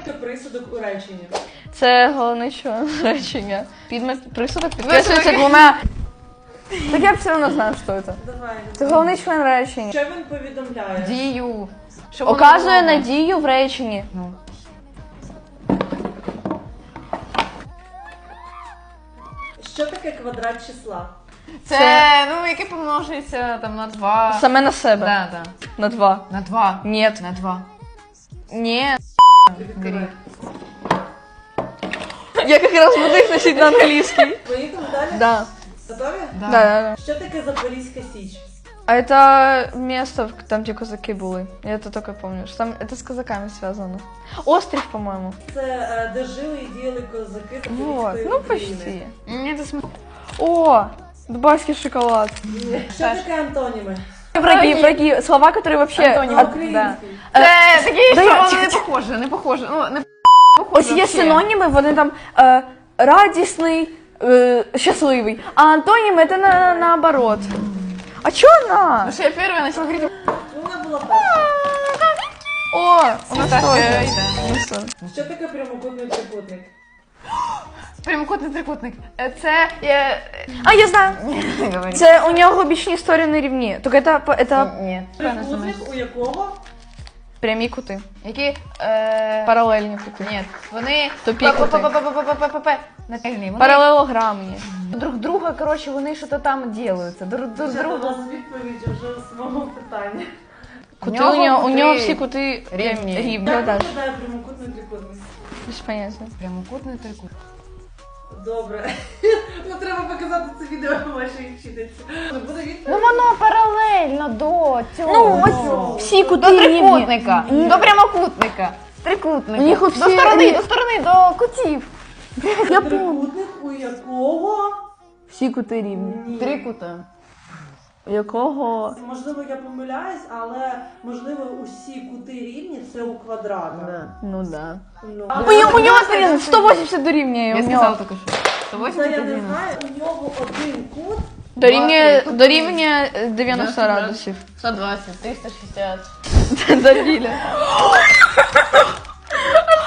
таке присудок у реченні? Це головний член речення. Присудок підкреслюється двома... Так я все одно знаю, що це. Давай. Це головний член речення. Що він повідомляє? Дію. Оказує надію в реченні. Ну. Що таке квадрат числа? Це, ну, яке помножується там на 2. Саме на себе. Да. На 2. На 2. Ні. На 2. Ні. Відкривай. Я якраз буду їх носити на англійський. Поїхали далі? Да. Готові? Да. Що таке Запорізька Січ? А это место, там, где казаки были. Я это только помню. Что там это с казаками связано. Остров, по-моему. Це де жили і діяли козаки Запорізької Вот, ну України. почти. Ні, це смішно. О, дубайский шоколад. Що таке антоніми? Враги, слова, которые вообще... Антоніми. А український? Це такі, да що я- вони не похожі, не похожі. Ну, не Ось є синоніми, вони там радісний, щасливий. А антоніми це наоборот. А чо на? Ну, що я перша почала говорити. Ну, вона була перша. О, у нас так, теж. да. Ну, що? Що таке прямокутний трикутник? Прямокутний трикутник. А, я знаю. Говори. Це у нього бічні сторони рівні. Тільки это Ні. Трикутник, у якого? прямі кути. Які? Паралельні кути. Ні, вони... Тупі кути. Нательні. Вони Паралелограмні. друг друга, коротше, вони щось там ділаються. Друг Це у другу. вас відповідь вже з мого питання. Кути нього у нього кути всі кути рівні. рівні. Як Да, виглядає прямокутний трикутник? без поняття. Прямокутний трикутник. Добре. Ну, треба показати це відео вашій вчительці. Буде відповідь? Ну воно паралельно до цього. Ну, ось всі кути до рівні. трикутника, до прямокутника, трикутника. У них от до всі сторони, рі- до сторони, до кутів. Я помню. Трикутник, у якого? Всі кути рівні. Ні. Трикута. У якого? Можливо, я помиляюсь, але можливо усі кути рівні це у квадратах. Ну да. Ну, У нього 180 дорівнює. Я у сказала нього. тільки що. це я 180 не знаю, у нього один кут. Дорівнює 90 градусів. 120, 360. Дорівнює.